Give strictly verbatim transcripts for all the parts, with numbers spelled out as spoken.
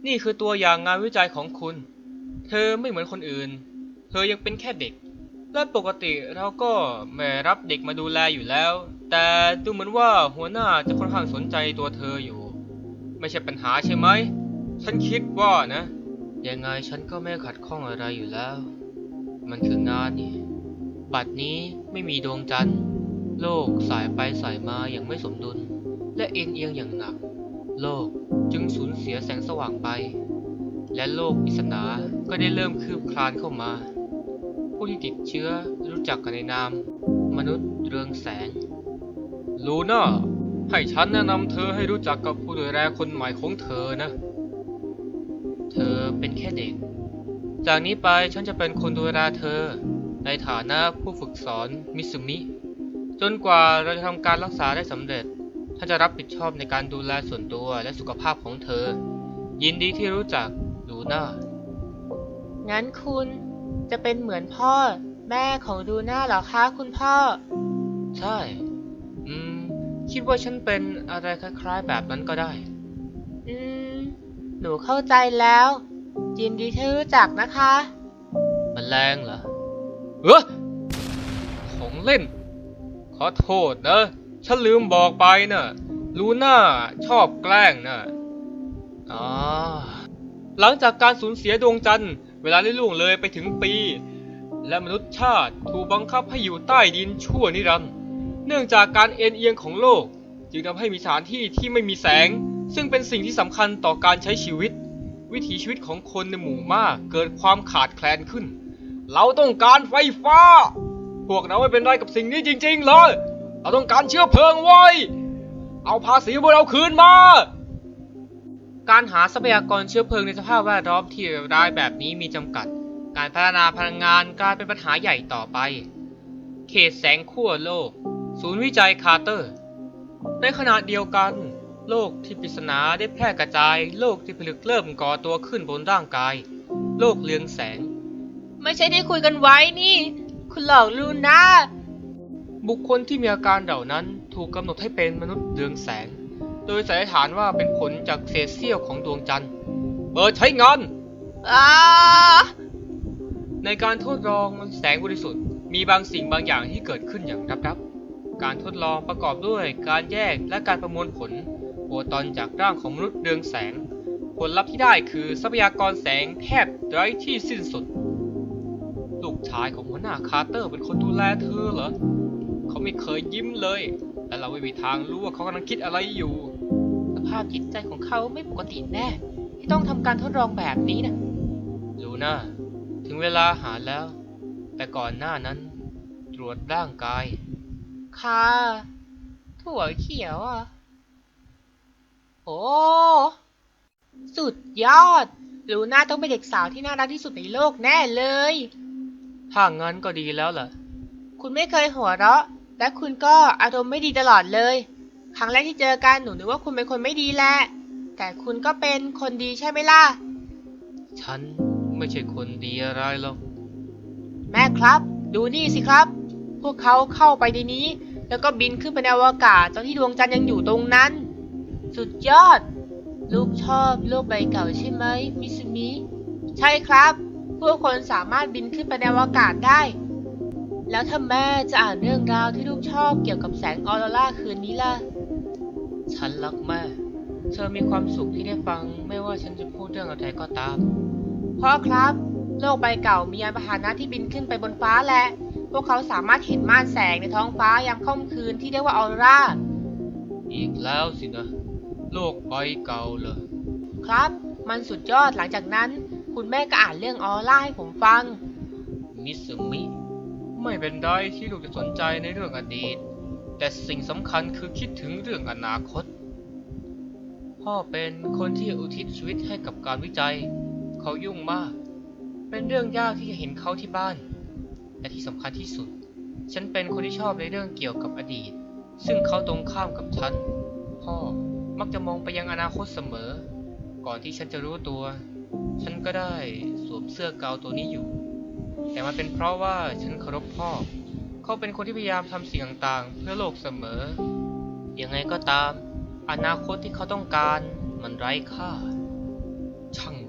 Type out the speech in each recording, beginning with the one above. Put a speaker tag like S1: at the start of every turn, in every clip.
S1: นี่คือตัวอย่างงานวิจัยของคุณเธอไม่เหมือนคนอื่นเธอยังเป็นแค่เด็กและปกติเราก็ไม่รับเด็กมาดูแลอยู่แล้วแต่ดูเหมือนว่าหัวหน้าจะค่อนข้างสนใจตัวเธออยู่ไม่ใช่ปัญหาใช่ไหมฉันคิดว่านะยังไงฉันก็ไม่ขัดข้องอะไรอยู่แล้วมันคืองานนี่บัดนี้ไม่มีดวงจันทร์โลกสายไปสายมาอย่างไม่สมดุลและเอ็นเอียงอย่างหนักโลกจึงสูญเสียแสงสว่างไปและโลกปริศนาก็ได้เริ่มคืบคลานเข้ามาผู้ที่ติดเชื้อรู้จักกันในนามมนุษย์เรืองแสงลูน่าให้ฉันแนะนำเธอให้รู้จักกับผู้ดูแลคนใหม่ของเธอนะเธอเป็นแค่เด็กจากนี้ไปฉันจะเป็นคนดูแลเธอในฐานะผู้ฝึกสอนมิซุมิจนกว่าเราจะทำการรักษาได้สำเร็จถ้าจะรับผิดชอบในการดูแลส่วนตัวและสุขภาพของเธอยินดีที่รู้จักลูน่างั้นคุณจะเป็นเหมือนพ่อแม่ของลูน่าเหรอคะคุณพ่อใช่อืมคิดว่าฉันเป็นอะไรคล้ายๆแบบนั้นก็ได้อืมหนูเข้าใจแล้วยินดีที่รู้จักนะคะแมลงเหรอเออของเล่นขอโทษนะฉันลืมบอกไปนะลูน่าชอบแกล้งนะอ๋อหลังจากการสูญเสียดวงจันทร์เวลาได้ล่วงเลยไปถึงปีและมนุษยชาติถูกบังคับให้อยู่ใต้ดินชั่วนิรันดร์เนื่องจากการเอ็นเอียงของโลกจึงทำให้มีสถานที่ที่ไม่มีแสงซึ่งเป็นสิ่งที่สำคัญต่อการใช้ชีวิตวิถีชีวิตของคนในหมู่มากเกิดความขาดแคลนขึ้นเราต้องการไฟฟ้าพวกเราไม่เป็นไรกับสิ่งนี้จริงๆเลยเราต้องการเชื้อเพลิงไว้เอาภาษีพวกเราคืนมาการหาทรัพยากรเชื้อเพลิงในสภาพแวดล้อมที่ร้ายแบบนี้มีจำกัดการพัฒนาพลังงานกลายเป็นปัญหาใหญ่ต่อไปเขตแสงขั้วโลกศูนย์วิจัยคาร์เตอร์ในขณะเดียวกันโลกที่ปริศนาได้แพร่กระจายโลกที่ผลึกเริ่มก่อตัวขึ้นบนร่างกายโลกเรืองแสงไม่ใช่ที่คุยกันไว้นี่คุณหลอกลูน่าบุคคลที่มีอาการเหล่านั้นถูกกำหนดให้เป็นมนุษย์เรืองแสงโดยสันนิษฐานว่าเป็นผลจากเศษเสี้ยวของดวงจันทร์เปิดใช้งานในการทดลองแสงบริสุทธิ์มีบางสิ่งบางอย่างที่เกิดขึ้นอย่างลับๆการทดลองประกอบด้วยการแยกและการประมวลผลโฟตอนจากร่างของมนุษย์เรืองแสงผลลัพธ์ที่ได้คือทรัพยากรแสงแทบไร้ที่สิ้นสุดลูกชายของหัวหน้าคาร์เตอร์เป็นคนดูแลเธอเหรอเขาไม่เคยยิ้มเลยและเราไม่มีทางรู้ว่าเขากำลังคิดอะไรอยู่สภาพจิตใจของเขาไม่ปกติแน่ที่ต้องทำการทดลองแบบนี้นะลูน่าถึงเวลาหาแล้วแต่ก่อนหน้านั้นตรวจร่างกายค่ะถั่วเขียวอ่ะโอ้สุดยอดลูน่าต้องเป็นเด็กสาวที่น่ารักที่สุดในโลกแน่เลยถ้างั้นก็ดีแล้วล่ะคุณไม่เคยหัวเราะและคุณก็อารมณ์ไม่ดีตลอดเลยครั้งแรกที่เจอกันหนูนึกว่าคุณเป็นคนไม่ดีแหละแต่คุณก็เป็นคนดีใช่ไหมล่ะฉันไม่ใช่คนดีอะไรหรอกแม่ครับดูนี่สิครับพวกเขาเข้าไปในนี้แล้วก็บินขึ้นไปในอวกาศตอนที่ดวงจันทร์ยังอยู่ตรงนั้นสุดยอดลูกชอบโลกใบเก่าใช่ไหมมิซุมิใช่ครับพวกคนสามารถบินขึ้นไปในอวกาศได้แล้วถ้าแม่จะอ่านเรื่องราวที่ลูกชอบเกี่ยวกับแสงออโรราคืนนี้ล่ะฉันรักแม่เธอมีความสุขที่ได้ฟังไม่ว่าฉันจะพูดเรื่องอะไรก็ตามพ่อครับโลกใบเก่ามียานพาหนะที่บินขึ้นไปบนฟ้าและพวกเขาสามารถเห็นม่านแสงในท้องฟ้ายามค่ำคืนที่เรียกว่าออโรราอีกแล้วสินะโลกใบเก่าเหรอครับมันสุดยอดหลังจากนั้นคุณแม่ก็อ่านเรื่องออโรราให้ผมฟังมิซุมิไม่เป็นไรที่ลูกจะสนใจในเรื่องอดีตแต่สิ่งสำคัญคือคิดถึงเรื่องอนาคตพ่อเป็นคนที่อุทิศชีวิตให้กับการวิจัยเขายุ่งมากเป็นเรื่องยากที่จะเห็นเขาที่บ้านและที่สำคัญที่สุดฉันเป็นคนที่ชอบในเรื่องเกี่ยวกับอดีตซึ่งเขาตรงข้ามกับฉันพ่อมักจะมองไปยังอนาคตเสมอก่อนที่ฉันจะรู้ตัวฉันก็ได้สวมเสื้อกาวตัวนี้อยู่แต่มันเป็นเพราะว่าฉันเคารพพ่อเขาเป็นคนที่พยายามทำสิ่งต่างๆเพื่อโลกเสมอยังไงก็ตามอนาคตที่เขาต้องการมันไร้ค่าฉ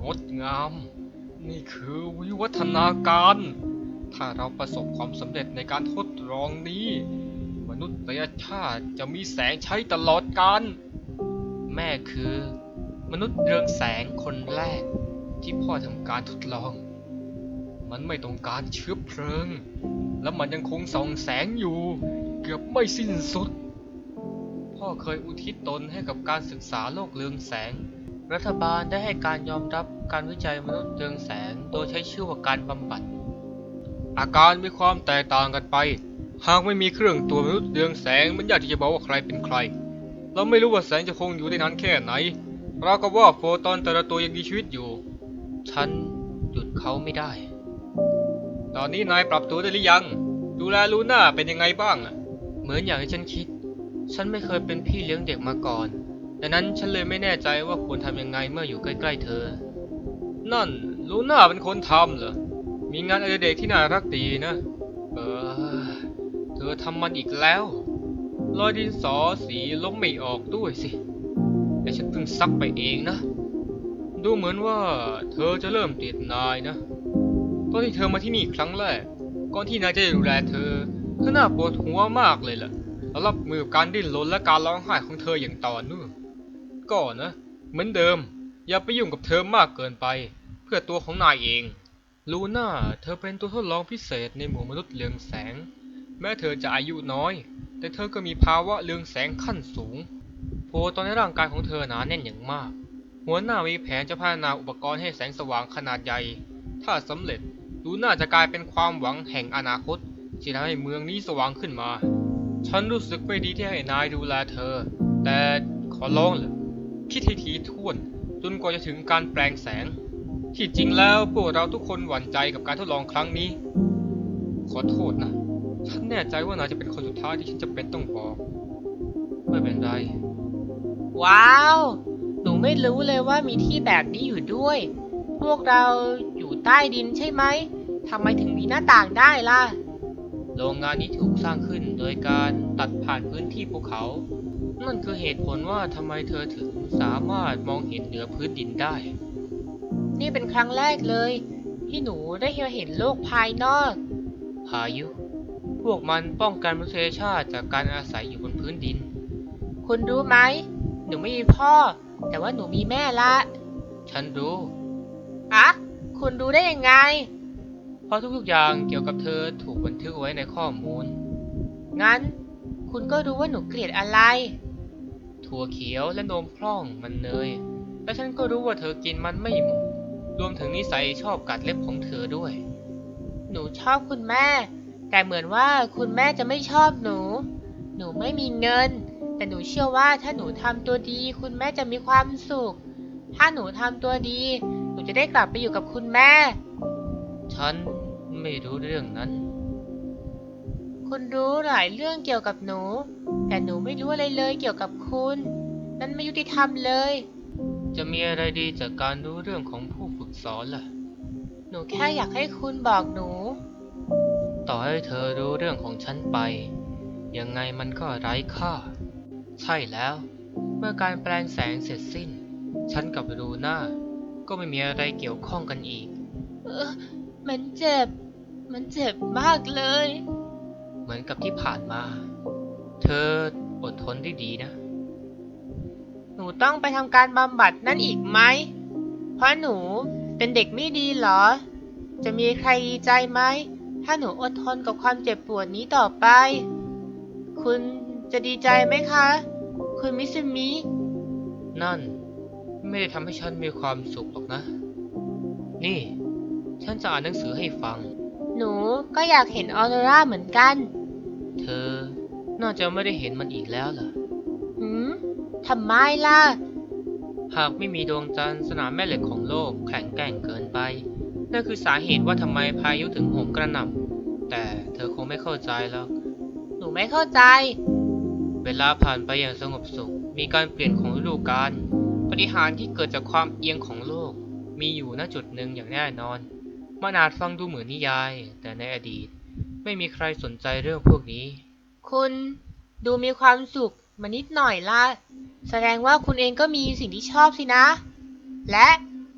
S1: งดงาม นี่คือวิวัฒนาการ ถ้าเราประสบความสำเร็จในการทดลองนี้ มนุษยชาติจะมีแสงใช้ตลอดกาล แม่คือ มนุษย์เรืองแสงคนแรกที่พ่อทำการทดลอง มันไม่ต้องการเชื้อเพลิง และมันยังคงส่องแสงอยู่ เกือบไม่สิ้นสุด พ่อเคยอุทิศตนให้กับการศึกษาโลกเรืองแสง รัฐบาลได้ให้การยอมรับการวิจัยมนุษย์เรืองแสงโดยใช้ชื่อว่าการบำบัด อาการมีความแตกต่างกันไป หากไม่มีเครื่องตรวจมนุษย์เรืองแสงมันยากที่จะบอกว่าใครเป็นใคร เราไม่รู้ว่าแสงจะคงอยู่ได้นานแค่ไหนเราก็ว่าโฟตอนแต่ละตัวยังมีชีวิตอยู่ ฉันหยุดเขาไม่ได้ ตอนนี้นายปรับตัวได้หรือยัง ดูแลลูน่าเป็นยังไงบ้างอะเหมือนอย่างที่ฉันคิด ฉันไม่เคยเป็นพี่เลี้ยงเด็กมาก่อน ดังนั้นฉันเลยไม่แน่ใจว่าควรทำยังไงเมื่ออยู่ใกล้ๆเธอ นั่นลูน่าเป็นคนทำเหรอ มีงานอดิเรกที่น่ารักดีนะ เออ เธอทำมันอีกแล้วรอยดินสอสีลบไม่ออกด้วยสิ แต่ฉันเพิ่งซักไปเองนะ ดูเหมือนว่าเธอจะเริ่มติดนายนะ ตอนที่เธอมาที่นี่ครั้งแรก ก่อนที่นายจะดูแลเธอ เธอน่าปวดหัวมากเลยล่ะแล้วรับมือกับการดิ้นรนและการร้องไห้ของเธออย่างต่อเนื่องก็นะ เหมือนเดิม อย่าไปยุ่งกับเธอมากเกินไป เพื่อตัวของนายเอง ลูน่า เธอเป็นตัวทดลองพิเศษในหมู่มนุษย์เรืองแสง แม้เธอจะอายุน้อย แต่เธอก็มีภาวะเรืองแสงขั้นสูงโพตอนในร่างกายของเธอหนาแน่นอย่างมาก หัวหน้ามีแผนจะพัฒนาอุปกรณ์ให้แสงสว่างขนาดใหญ่ ถ้าสำเร็จลูน่าจะกลายเป็นความหวังแห่งอนาคตที่ทำให้เมืองนี้สว่างขึ้นมา ฉันรู้สึกไม่ดีที่ให้นายดูแลเธอ แต่ขอร้องเลยคิดให้ทีท่วนจนกว่าจะถึงการแปลงแสง ที่จริงแล้วพวกเราทุกคนหวั่นใจกับการทดลองครั้งนี้ ขอโทษนะ ฉันแน่ใจว่านายจะเป็นคนสุดท้ายที่ฉันจะเป็นต้องบอก ไม่เป็นไร
S2: ว้าว หนูไม่รู้เลยว่ามีที่แบบนี้อยู่ด้วย พวกเราอยู่ใต้ดินใช่ไหม ทำไมถึงมีหน้าต่างได้ล่ะ
S1: โรงงานนี้ถูกสร้างขึ้นโดยการตัดผ่านพื้นที่ภูเขา นั่นคือเหตุผลว่าทำไมเธอถึงสามารถมองเห็นเหนือพื้นดินได้
S2: นี่เป็นครั้งแรกเลย ที่หนูได้เห็นโลกภายนอก
S1: พายุ พวกมันป้องกันมนุษยชาติจากการอาศัยอยู่บนพื้นดิน
S2: คุณรู้ไหม หนูไม่มีพ่อ แต่ว่าหนูมีแม่ละ
S1: ฉันรู้
S2: อะคุณรู้ได้ยังไง
S1: เพราะทุกๆอย่างเกี่ยวกับเธอถูกบันทึกไว้ในข้อมูล
S2: งั้น คุณก็รู้ว่าหนูเกลียดอะไร
S1: ถั่วเขียวและนมพร่องมันเนย และฉันก็รู้ว่าเธอกินมันไม่หมด รวมถึงนิสัยชอบกัดเล็บของเธอด้วย
S2: หนูชอบคุณแม่ แต่เหมือนว่าคุณแม่จะไม่ชอบหนู หนูไม่มีเงิน แต่หนูเชื่อว่าถ้าหนูทำตัวดี คุณแม่จะมีความสุข ถ้าหนูทำตัวดี หนูจะได้กลับไปอยู่กับคุณแม่
S1: ฉันไม่รู้เรื่องนั้น
S2: คุณรู้หลายเรื่องเกี่ยวกับหนู แต่หนูไม่รู้อะไรเลยเกี่ยวกับคุณ นั่นไม่ยุติธรรมเลย
S1: จะมีอะไรดีจากการรู้เรื่องของผู้ฝึกสอนล่ะ
S2: หนูแค่อยากให้คุณบอกหนู
S1: ต่อให้เธอรู้เรื่องของฉันไป ยังไงมันก็ไร้ค่า ใช่แล้ว เมื่อการแปลงแสงเสร็จสิ้น ฉันกับลูน่าก็ไม่มีอะไรเกี่ยวข้องกันอีก
S2: เออมันเจ็บ มันเจ็บมากเลย
S1: เหมือนกับที่ผ่านมา เธออดทนได้ดีนะ
S2: หนูต้องไปทำการบำบัดนั่นอีกไหม เพราะหนูเป็นเด็กไม่ดีเหรอ จะมีใครดีใจไหม ถ้าหนูอดทนกับความเจ็บปวดนี้ต่อไป คุณจะดีใจไหมคะ คุณมิซึมิ
S1: นั่นไม่ได้ทำให้ฉันมีความสุขหรอกนะ นี่ ฉันจะอ่านหนังสือให้ฟัง
S2: หนูก็อยากเห็นออโรราเหมือนกัน
S1: เธอน่าจะไม่ได้เห็นมันอีกแล้วล่ะ
S2: หืมทำไมล่ะ
S1: หากไม่มีดวงจันทร์สนามแม่เหล็กของโลกแข็งแกร่งเกินไป นั่นคือสาเหตุว่าทำไมพายุถึงโหมกระหน่ำ แต่เธอคงไม่เข้าใจหรอก
S2: หนูไม่เข้าใจ
S1: เวลาผ่านไปอย่างสงบสุข มีการเปลี่ยนของฤดูกาล ปฏิหารย์ที่เกิดจากความเอียงของโลก มีอยู่ณจุดหนึ่งอย่างแน่นอน มันอาจฟังดูเหมือนนิยาย แต่ในอดีต ไม่มีใครสนใจเรื่องพวกนี้
S2: คุณดูมีความสุขมานิดหน่อยละแสดงว่าคุณเองก็มีสิ่งที่ชอบสินะ และ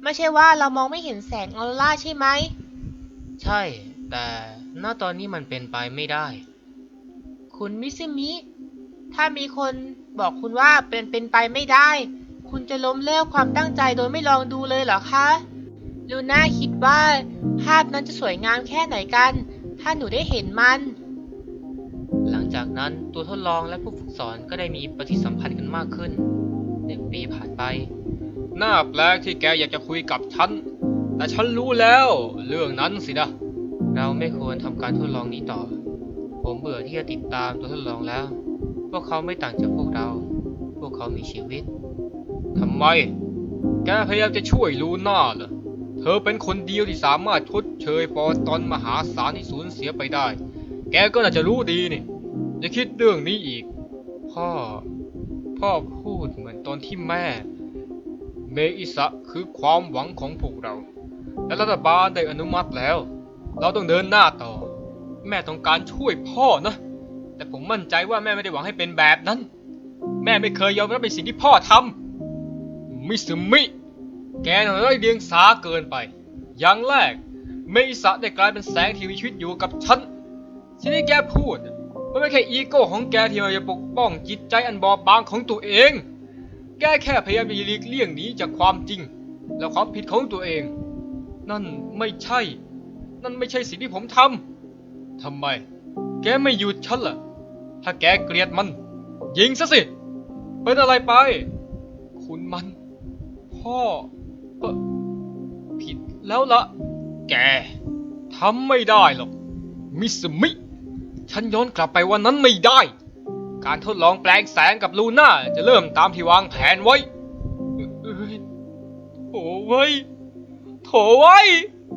S2: ไม่ใช่ว่าเรามองไม่เห็นแสงออโรราใช่ไหม
S1: ใช่ แต่ณตอนนี้มันเป็นไปไม่ได้
S2: คุณมิซึมิ ถ้ามีคนบอกคุณว่าเป็นเป็นไปไม่ได้ คุณจะล้มเลิกความตั้งใจโดยไม่ลองดูเลยเหรอคะ ลูน่าคิดว่าภาพนั้นจะสวยงามแค่ไหนกัน ถ้าหนูได้เห็นมัน
S1: หลังจากนั้นตัวทดลองและผู้ฝึกสอนก็ได้มีปฏิสัมพันธ์กันมากขึ้นหนึ่งปีผ่านไปน่าแปลกที่แกอยากจะคุยกับฉัน แต่ฉันรู้แล้วเรื่องนั้นสินะ เราไม่ควรทำการทดลองนี้ต่อ ผมเบื่อที่จะติดตามตัวทดลองแล้ว พวกเขาไม่ต่างจากพวกเรา พวกเขามีชีวิตทำไม แกพยายามจะช่วยลูน่าเหรอ เธอเป็นคนเดียวที่สามารถชดเชยปอตอนมหาศาลที่สูญเสียไปได้ แกก็น่าจะรู้ดีนี่อย่าคิดเรื่องนี้อีก พ่อ พ่อพูดเหมือนตอนที่แม่ เมอิสะคือความหวังของพวกเรา และรัฐบาลได้อนุมัติแล้ว เราต้องเดินหน้าต่อ แม่ต้องการช่วยพ่อนะ แต่ผมมั่นใจว่าแม่ไม่ได้หวังให้เป็นแบบนั้น แม่ไม่เคยยอมรับในสิ่งที่พ่อทำมิสึมิ แกน่ะไร้เดียงสาเกินไป อย่างแรก เมอิสะได้กลายเป็นแสงที่มีชีวิตอยู่กับฉันสิ่งที่แกพูดมันไม่แค่อีโก้ของแกที่มันจะปกป้องจิตใจอันบอบบางของตัวเอง แกแค่พยายามจะหลีกเลี่ยงหนีจากความจริงและความผิดของตัวเอง นั่นไม่ใช่ นั่นไม่ใช่สิ่งที่ผมทำทำไม แกไม่หยุดฉันล่ะ ถ้าแกเกลียดมัน ยิงซะสิ เป็นอะไรไป คุณมัน พ่อเอ่อผิดแล้วละแกทำไม่ได้หรอกมิสมิ ฉันย้อนกลับไปวันนั้นไม่ได้ การทดลองแปลงแสงกับลูน่าจะเริ่มตามที่วางแผนไว้เอ้ยโถไว้โถไว้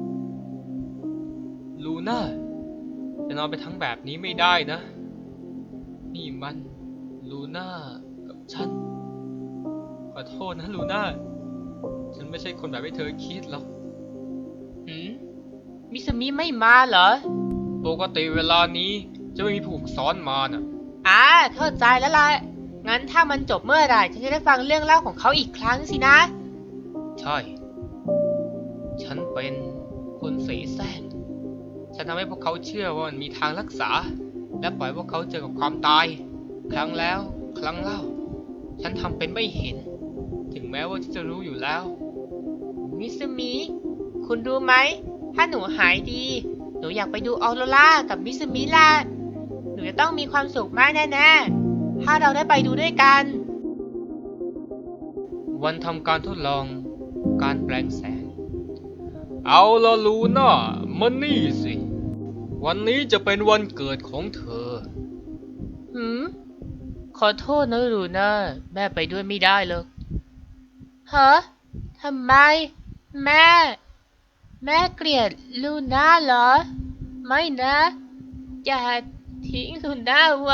S1: ลูน่าจะนอนไปทั้งแบบนี้ไม่ได้นะ นี่มันลูน่ากับฉัน ขอโทษนะลูน่า ฉันไม่ใช่คนแบบที่เธอคิดหรอก
S2: หืม มิซึมิไม่มาเหรอ
S1: ปกติเวลานี้จะไม่มีผู้ฝึกสอนมาน่ะ
S2: อ่า เข้าใจแล้วล่ะ งั้นถ้ามันจบเมื่อไหร่ฉันจะได้ฟังเรื่องเล่าของเขาอีกครั้งสินะ
S1: ใช่ ฉันเป็นคนเสแสร้งฉันทำให้พวกเขาเชื่อว่ามันมีทางรักษา และปล่อยพวกเขาเจอกับความตาย ครั้งแล้ว ครั้งเล่า ฉันทำเป็นไม่เห็น ถึงแม้ว่าจะรู้อยู่แล้ว
S2: มิซึมิ คุณรู้ไหม ถ้าหนูหายดี หนูอยากไปดูออโรรากับมิซึมิล่ะ หนูจะต้องมีความสุขมากแน่ๆ ถ้าเราได้ไปดูด้วยกัน
S1: วันทำการทดลองการแปลงแสง เอาละลูน่ามานี่สิ วันนี้จะเป็นวันเกิดของเธอ
S2: หืม ขอโทษนะลูน่า แม่ไปด้วยไม่ได้หรอกฮะทำไม แม่ แม่เกลียดลูน่าเหรอ ไม่นะ อย่าทิ้งลูน่าไว้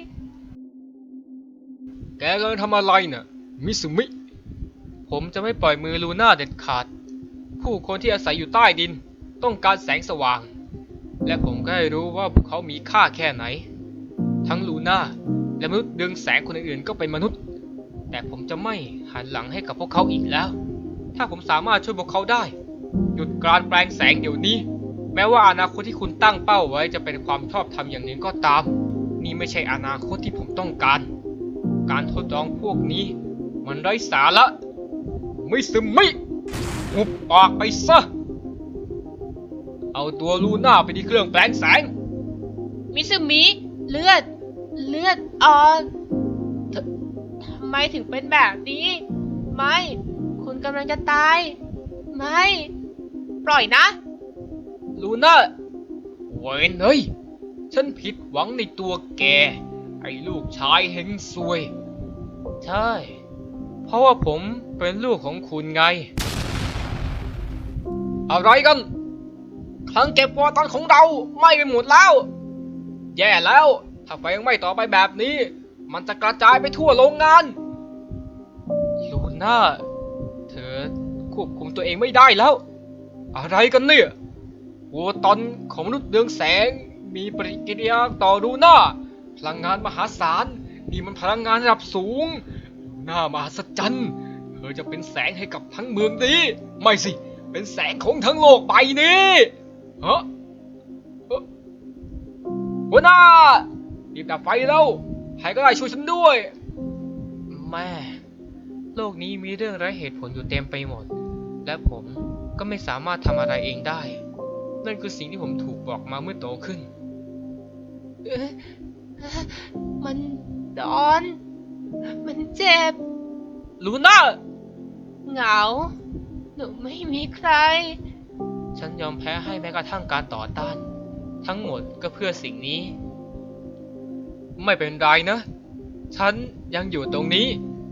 S1: แกกำลังทำอะไรน่ะ มิสุมิ ผมจะไม่ปล่อยมือลูน่าเด็ดขาด ผู้คนที่อาศัยอยู่ใต้ดินต้องการแสงสว่าง และผมก็ได้รู้ว่าพวกเขามีค่าแค่ไหน ทั้งลูน่าและมนุษย์เรืองแสงคนอื่นๆก็เป็นมนุษย์ แต่ผมจะไม่หันหลังให้กับพวกเขาอีกแล้ว ถ้าผมสามารถช่วยพวกเขาได้ หยุดการแปลงแสงเดี๋ยวนี้ แม้ว่าอนาคตที่คุณตั้งเป้าไว้จะเป็นความชอบธรรมอย่างหนึ่งก็ตาม นี่ไม่ใช่อนาคตที่ผมต้องการ การทดลองพวกนี้มันไร้สาระมิสมิหุบปากไปซะ เอาตัวลูน่าไปที่เครื่องแปลงแสง
S2: มิซึมิ เลือด เลือดออกททำไมถึงเป็นแบบนี้ ไม่ คุณกำลังจะตาย ไม่ ปล่อยนะ
S1: ลูน่าเวนเฮ้ย ฉันผิดหวังในตัวแก ไอ้ลูกชายเฮงซวย ใช่ เพราะว่าผมเป็นลูกของคุณไง อะไรกันคลังเก็บวอตันของเราไหม้ไปหมดแล้ว แย่แล้ว ถ้าไฟยังไหม้ต่อไปแบบนี้ มันจะกระจายไปทั่วโรงงาน ลูน่า เธอควบคุมตัวเองไม่ได้แล้ว อะไรกันเนี่ยวอตันของมนุษย์เรืองแสงมีปฏิกิริยาต่อลูน่า พลังงานมหาศาล นี่มันพลังงานระดับสูงลูน่ามหัศจรรย์เธอจะเป็นแสงให้กับทั้งเมืองนี้ไม่สิเป็นแสงของทั้งโลกใบนี้ฮะเอ่อหัวหน้ารีบดับไฟแล้วใครก็ได้ช่วยฉันด้วยแม่โลกนี้มีเรื่องไร้เหตุผลอยู่เต็มไปหมดและผมก็ไม่สามารถทำอะไรเองได้นั่นคือสิ่งที่ผมถูกบอกมาเมื่อโตขึ้น
S2: เอ๊ะมันร้อน มันเจ็บ
S1: ลูน่า
S2: เหงา หนูไม่มีใคร
S1: ฉันยอมแพ้ให้แม้กระทั่งการต่อต้าน ทั้งหมดก็เพื่อสิ่งนี้ ไม่เป็นไรนะ ฉันยังอยู่ตรงนี้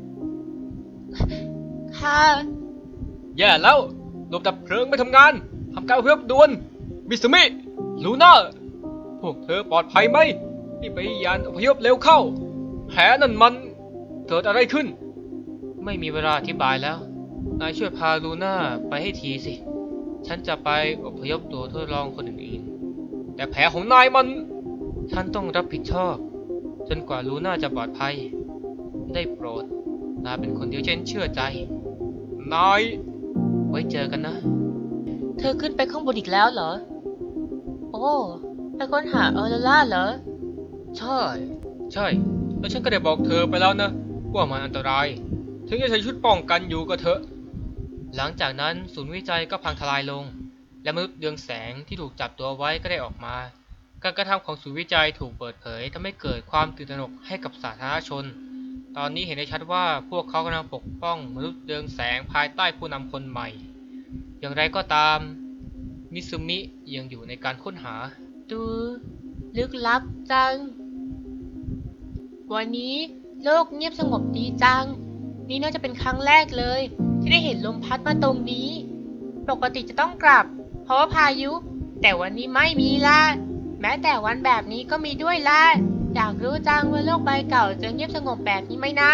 S2: ค่ะ
S1: แย่แล้วระบบดับเพลิงไม่ทำงานทำการอพยพด่วนมิสมิลูน่าพวกเธอปลอดภัยไหมที่ไปยานอพยพเร็วเข้าแผลนั่นมันเกิดอะไรขึ้น ไม่มีเวลาอธิบายแล้วนายช่วยพาลูน่าไปให้ทีสิ ฉันจะไปอพยพตัวทดลองคนอื่นๆแต่แผลของนายมันฉันต้องรับผิดชอบจนกว่าลูน่าจะปลอดภัยได้โปรดนายเป็นคนเดียวที่ฉันเชื่อใจนายไว้เจอกันนะ
S2: เธอขึ้นไปข้างบนอีกแล้วเหรอ โอ้ไปค้นหาออโรราเหรอ
S1: ใช่ ใช่ แล้วฉันก็ได้บอกเธอไปแล้วนะว่ามันอันตราย ถึงจะใช้ชุดป้องกันอยู่ก็เถอะ หลังจากนั้นศูนย์วิจัยก็พังทลายลง และมนุษย์เรืองแสงที่ถูกจับตัวไว้ก็ได้ออกมา การกระทำของศูนย์วิจัยถูกเปิดเผยทำให้เกิดความตื่นตระหนกให้กับสาธารณชน ตอนนี้เห็นได้ชัดว่าพวกเขากำลังปกป้องมนุษย์เรืองแสงภายใต้ผู้นำคนใหม่ อย่างไรก็ตามมิซุมิยังอยู่ในการค้นหา
S2: ดูลึกลับจัง วันนี้โลกเงียบสงบดีจัง นี่น่าจะเป็นครั้งแรกเลย ที่ได้เห็นลมพัดมาตรงนี้ ปกติจะต้องกลับ เพราะว่าพายุ แต่วันนี้ไม่มีล่ะ แม้แต่วันแบบนี้ก็มีด้วยล่ะ อยากรู้จังว่าโลกใบเก่าจะเงียบสงบแบบนี้ไหมนะ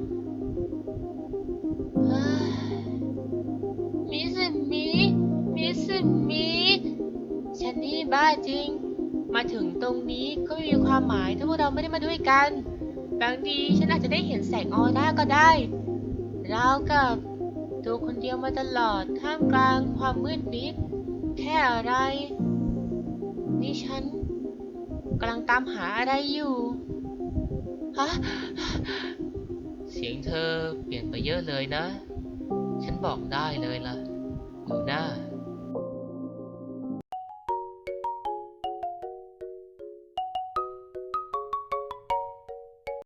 S2: เฮ้ยมิสมิมิสมิฉันนี่บ้าจริง มาถึงตรงนี้ก็ไม่มีความหมายถ้าพวกเราไม่ได้มาด้วยกัน บางทีฉันอาจจะได้เห็นแสงออร่าก็ได้ราวกับตัวคนเดียวมาตลอดท่ามกลางความมืดมิดแค่อะไร นี่ฉันกำลังตามหาอะไรอยู่ฮะ
S1: เสียงเธอเปลี่ยนไปเยอะเลยนะ ฉันบอกได้เลยล่ะลูน่า